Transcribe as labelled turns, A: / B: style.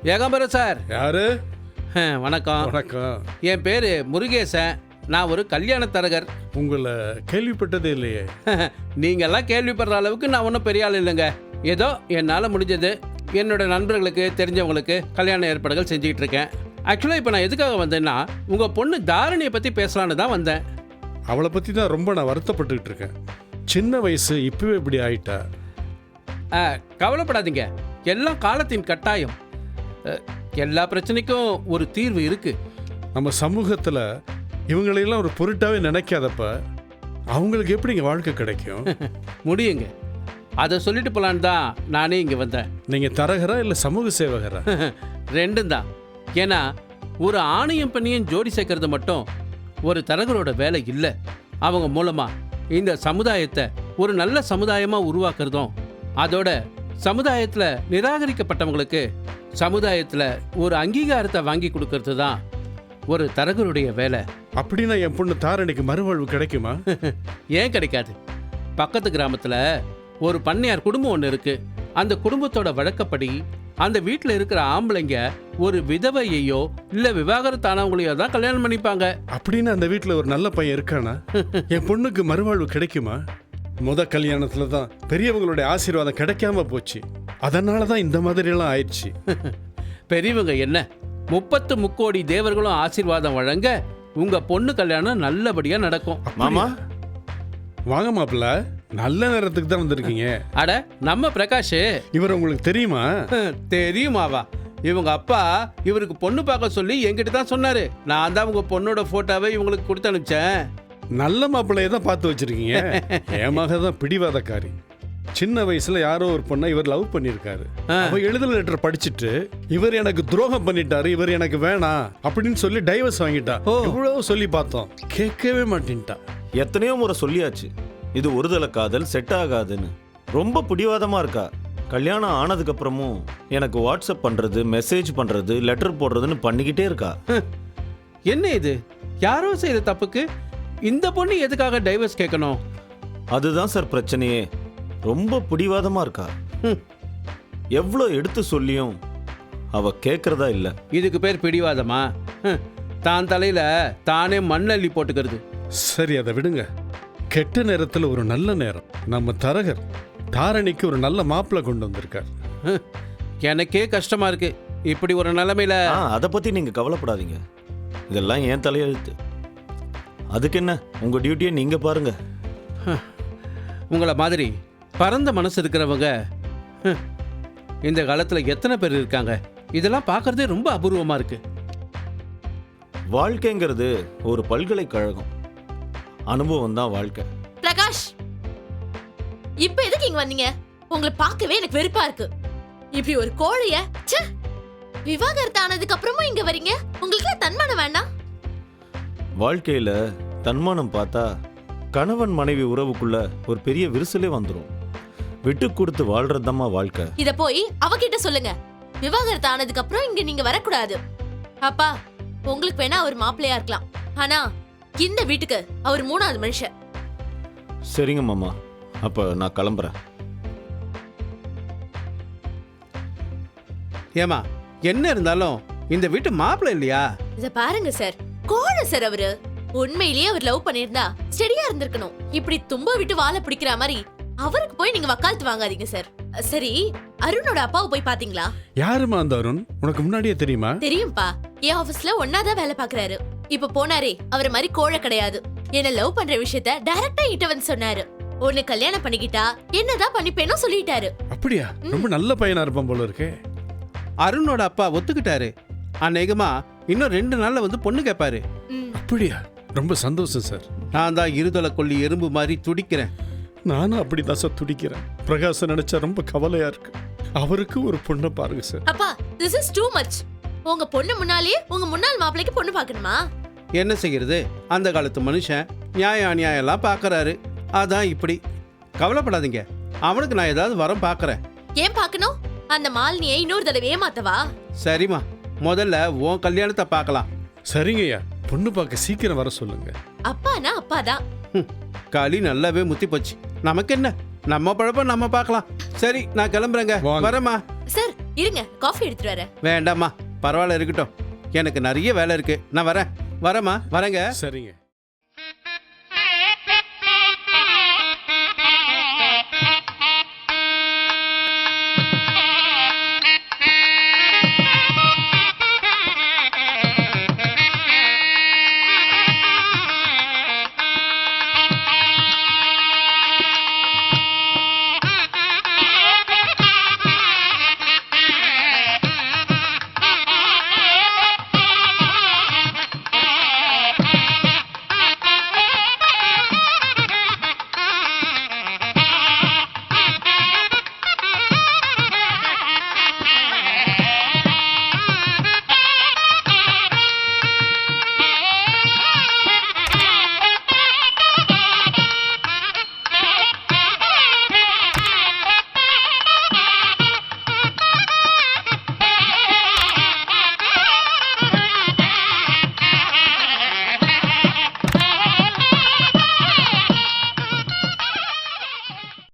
A: Ekambaram sir.
B: யாரு?
A: வணக்கம்.
B: வணக்கம்.
A: என் பேர் முருகேசன். நான் ஒரு கல்யாண தரகர்.
B: உங்களை கேள்விப்பட்டதே இல்லையே.
A: நீங்கள்லாம் கேள்விப்படுற அளவுக்கு நான் ஒன்றும் பெரிய ஆள் இல்லைங்க. ஏதோ என்னால் முடிஞ்சது என்னோட நண்பர்களுக்கு தெரிஞ்சவங்களுக்கு கல்யாண ஏற்பாடுகள் செஞ்சுக்கிட்டு இருக்கேன். ஆக்சுவலாக இப்போ நான் எதுக்காக வந்தேன்னா உங்கள் பொண்ணு தாரணியை பற்றி பேசலான்னு தான் வந்தேன்.
B: அவளை பற்றி தான் ரொம்ப நான் வருத்தப்பட்டுக்கிட்டு இருக்கேன். சின்ன வயசு இப்பவே இப்படி ஆயிட்டா.
A: கவலைப்படாதீங்க, எல்லாம் காலத்தின் கட்டாயம். எல்லா பிரச்சனைக்கும் ஒரு தீர்வு இருக்கு.
B: நம்ம சமூகத்தில் இவங்களையெல்லாம் ஒரு பொருட்டாவே நினைக்காதப்ப அவங்களுக்கு எப்படிங்க வாழ்க்கை கிடைக்கும்?
A: முடியுங்க. அதை சொல்லிட்டு போலான்னு தான் நானே இங்கே வந்தேன்.
B: நீங்கள் தரகரா இல்லை சமூக சேவகரா?
A: ரெண்டும் தான். ஏன்னா ஒரு ஆணையம் பண்ணியும் ஜோடி சேர்க்கறது மட்டும் ஒரு தரகரோட வேலை இல்லை. அவங்க மூலமாக இந்த சமுதாயத்தை ஒரு நல்ல சமுதாயமாக உருவாக்குறதும், அதோட சமுதாயத்தில் நிராகரிக்கப்பட்டவங்களுக்கு சமுதாயத்தில் ஒரு அங்கீகாரத்தை வாங்கி கொடுக்கறது தான் ஒரு தரகருடைய வேலை.
B: அப்படின்னா என் பொண்ணு தாரணிக்கு மறுவாழ்வு கிடைக்குமா?
A: ஏன் கிடைக்காது? பக்கத்து கிராமத்தில் ஒரு பண்ணையார் குடும்பம் ஒன்று இருக்கு. அந்த குடும்பத்தோட வழக்கப்படி அந்த வீட்டில் இருக்கிற ஆம்பளைங்க ஒரு விதவையோ இல்லை விவாகரத்தானவங்களையோ தான் கல்யாணம் பண்ணிப்பாங்க.
B: அப்படின்னு அந்த வீட்டில் ஒரு நல்ல பையன் இருக்கானா? என் பொண்ணுக்கு மறுவாழ்வு கிடைக்குமா? கல்யாணத்துல தான் பெரியவங்களுடைய ஆசீர்வாதம் கிடைக்காம போச்சு. அதனால தான் இந்த மாதிரியெல்லாம் ஆயிடுச்சு.
A: பெரியவங்க என்ன 30 முக்கோடி தேவர்களும் ஆசீர்வாதம் வழங்க உங்க பொண்ணு கல்யாணம் நல்லபடியா நடக்கும்.
B: மாமா வாங்க மாப்பிள்ள, நல்ல நேரத்துக்கு தான் வந்திருக்கீங்க.
A: அட நம்ம பிரகாஷ்,
B: இவர் உங்களுக்கு தெரியுமா?
A: தெரியுமாவா? இவங்க அப்பா இவருக்கு பொண்ணு பார்க்க சொல்லி என்கிட்ட தான் சொன்னாரு. நான் தான் உங்க பொண்ணோட போட்டோவை இவங்களுக்கு கொடுத்து அனுப்பிச்சேன்.
B: நல்ல மாப்பிள்ளைய தான் பார்த்து வச்சிருக்கீங்க. என் மக தான் பிடிவாதக்காரி. சின்ன வயசுல யாரோ ஒரு பொண்ணை இவர் லவ் பண்ணிருக்காரு. அவ எழுதல் லெட்டர் படிச்சுட்டு இவர் எனக்கு துரோகம் பண்ணிட்டாரு, இவர் எனக்கு வேணாம் அப்படின்னு சொல்லி டைவர்ஸ் வாங்கிட்டா. இவ்வளவு சொல்லி பார்த்தோம், கேட்கவே மாட்டேன்ட்டா.
C: எத்தனையோ முறை சொல்லியாச்சு, இது ஒருதலை காதல், செட் ஆகாதுன்னு. ரொம்ப பிடிவாதமா இருக்கா. கல்யாணம் ஆனதுக்கு அப்புறமும் எனக்கு வாட்ஸ்அப் பண்றது, மெசேஜ் பண்றது, லெட்டர் போடுறதுன்னு பண்ணிக்கிட்டே இருக்கா.
A: என்ன இது? யாரோ செய்யற தப்புக்கு இந்த பொண்ணு எதுக்காக டைவர்ஸ் கேட்கணும்?
C: அதுதான் சார் பிரச்சனையே. ரொம்ப பிடிவாதமா இருக்கா. எவ்வளோ எடுத்து சொல்லியும் அவ கேட்கறதா இல்ல.
A: இதுக்கு பேர் பிடிவாதமா? தான் தலையில தானே மண்ணள்ளி போட்டுக்கிறது.
B: சரி, அதை விடுங்க. கெட்ட நேரத்துல ஒரு நல்ல நேரம். நம்ம தரகர் தாரணிக்கு ஒரு நல்ல மாப்பிள்ளை கொண்டு வந்திருக்கார்.
A: எனக்கே கஷ்டமா இருக்கு இப்படி ஒரு நிலைமையில.
C: அதை பத்தி நீங்க கவலைப்படாதீங்க, இதெல்லாம் ஏன் தலையெழுத்து. அதுக்கு என்ன, உங்க டியூட்டியை நீங்க பாருங்க.
A: உங்களை மாதிரி பரந்த மனசு இருக்கிறவங்க இந்த காலத்துல எத்தனை பேர் இருக்காங்க? இதெல்லாம் பார்க்கறதே ரொம்ப அபூர்வமா இருக்கு.
C: வாழ்க்கைங்கிறது ஒரு பல்கலைக்கழகம். அனுபவம் தான் வாழ்க்கை.
D: பிரகாஷ், இப்ப எதுக்கு இங்க வந்தீங்க? உங்களை பார்க்கவே எனக்கு வெறுப்பா இருக்கு. இப்படி ஒரு கோழைய விவாகரத்து ஆனதுக்கு அப்புறமும் இங்க வரீங்க. உங்களுக்கு தன்மானம் வேண்டாம்?
C: வாழ்க்கையில தன்மானம் பார்த்தா கணவன் மனைவி உறவுக்குள்ள ஒரு பெரிய விரிசலே வந்துடும். விட்டு கொடுத்து வாழ்றதுதாம்மா வாழ்க்கை.
D: இத போய் அவகிட்ட சொல்லுங்க. விவாகரத்து ஆனதுக்கு அப்புறம் இங்க நீங்க வரக்கூடாது. அப்பா, உங்களுக்கு வேணா அவர் மாப்பிள்ளையா இருக்கலாம், ஆனா இந்த வீட்டுக்கு அவர் 3வது மனுஷன்.
C: சரிங்க மாமா, அப்ப நான் கிளம்புறேன்.
A: ஏமா, என்ன இருந்தாலும் இந்த வீட்டு மாப்பிள்ளை இல்லையா?
D: இத பாருங்க சார், கோழை சார் அவரு. உண்மையிலேயே அவர் லவ் பண்ணிருந்தா ஸ்டெடியா இருந்திருக்கணும். இப்படி தும்ப விட்டு வாழை பிடிக்கிற மாதிரி அவருக்கு போய் நீங்க வக்காலத்து வாங்காதீங்க சார். சரி, அருணோட அப்பாவை போய் பாத்தீங்களா?
B: யாருமா அந்த அருண்? உனக்கு முன்னாடியே தெரியுமா?
D: தெரியும்பா, என் ஆபீஸ்ல ஒன்னாதான் வேலை பாக்குறாரு. இப்ப போனாரே, அவர் மாதிரி கோழை கிடையாது. என்ன லவ் பண்ற விஷயத்த டைரக்டா கிட்ட வந்து சொன்னாரு. உன்னை கல்யாணம் பண்ணிக்கிட்டா என்னதான் பண்ணிப்பேனோ சொல்லிட்டாரு.
B: அப்படியா? ரொம்ப நல்ல பையனா இருப்பான் போல இருக்கே.
A: அருணோட அப்பா ஒத்துக்கிட்டாரு. அநேகமா இன்னும் 2 நாள்ல வந்து பொண்ணு கேட்பாரு.
B: அப்படியா? ரொம்ப சந்தோஷம் சார்.
A: நான் தான் இருதலை கொல்லி எறும்பு மாதிரி துடிக்கிறேன்.
B: நானும் அப்படிதான் சார் துடிக்கிறேன். பிரகாச நினைச்சா ரொம்ப கவலையா இருக்கு. அவருக்கு ஒரு பொண்ணை பாருங்க சார்.
D: அப்பா, this is too much. உங்க பொண்ணு முன்னாலே உங்க முன்னாள் மாப்பிளைக்கு பொண்ணு பார்க்கணுமா?
A: என்ன செய்யறது, அந்த காலத்து மனுஷன் நியாயம் அநியாயம் எல்லாம் பாக்குறாரு. அதான் இப்படி. கவலைப்படாதீங்க, அவனுக்கு நான் ஏதாவது வரம் பாக்குறேன்.
D: ஏன் பாக்கணும்? அந்த மாலினியை இன்னொரு தடவை ஏமாத்தவா?
A: சரிம்மா, முதல்ல உன் கல்யாணத்தை பார்க்கலாம்.
B: சரிங்கய்யா, பொண்ணு பார்க்க சீக்கிரம் வர சொல்லுங்க.
D: அப்பானா அப்பாதான்.
A: களி நல்லாவே முத்தி போச்சு. நமக்கு என்ன, நம்ம பழப்பம் நம்ம பார்க்கலாம். சரி, நான் கிளம்புறேங்க. வரமா
D: சார், இருங்க காஃபி எடுத்துட்டு வரேன்.
A: வேண்டாம்மா, பரவாயில்ல இருக்கட்டும். எனக்கு நிறைய வேலை இருக்கு. நான் வரேன். வரேம்மா, வரேங்க.
B: சரிங்க.